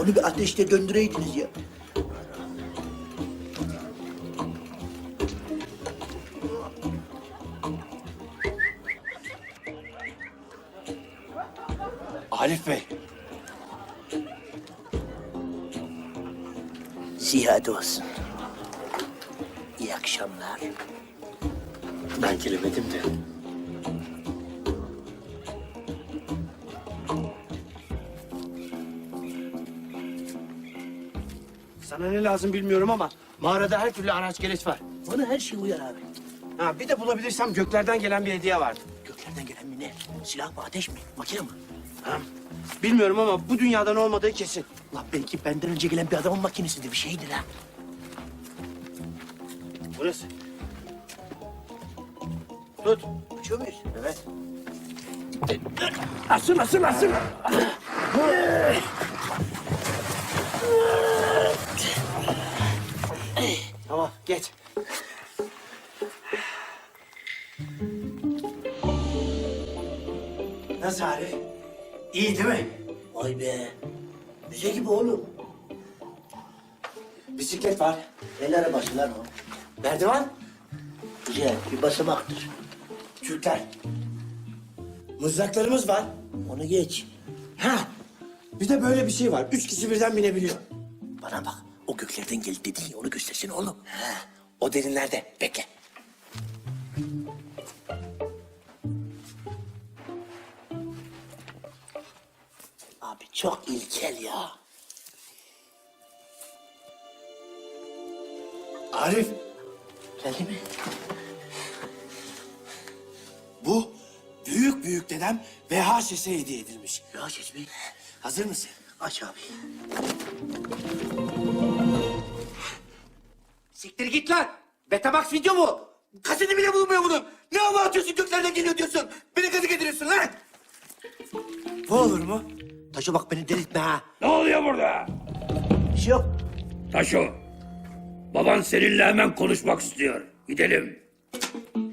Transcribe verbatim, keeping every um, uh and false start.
Onu bir ateşte döndüreydiniz ya. Arif Bey. Ziyade olsun. İyi akşamlar. Ben gelemedim de. Sana ne lazım bilmiyorum ama mağarada her türlü araç gereç var. Bana her şey uyar abi. Ha, bir de bulabilirsem göklerden gelen bir hediye vardı. Göklerden gelen mi ne? Silah mı, ateş mi, makine mi? Ha, bilmiyorum ama bu dünyadan olmadığı kesin. La belki benden önce gelen bir adamın makinesidir, bir şeydir ha. Burası. Tut. Uçuyor muyuz? Evet. Asıl, asıl, asıl. Tamam, geç. Nasıl Arif? İyi değil mi? Vay be. Müze gibi oğlum. Bisiklet var. El arabası lan o. Merdiven. Güzel, bir basamaktır. Türkler. Mızraklarımız var. Onu geç. Ha. Bir de böyle bir şey var. Üç kişi birden binebiliyor. Bana bak, o göklerden geldi dediğin onu göstersene oğlum. Ha. O derinlerde. Bekle. Abi çok ilkel ya. Arif. Geldi mi? Bu büyük büyük dedem V H S'e hediye edilmiş. Ya ses mi? Hazır mısın? Aç abi. Siktir git lan. Betamax video mu? Kaseti bile bulmuyor bunun. Ne hava atıyorsun göklerden geliyor diyorsun. Beni gazı getiriyorsun lan. Bu olur mu? Taşa bak beni delirtme ha. Ne oluyor burada? Bir şey yok. Taşo, baban seninle hemen konuşmak istiyor. Gidelim.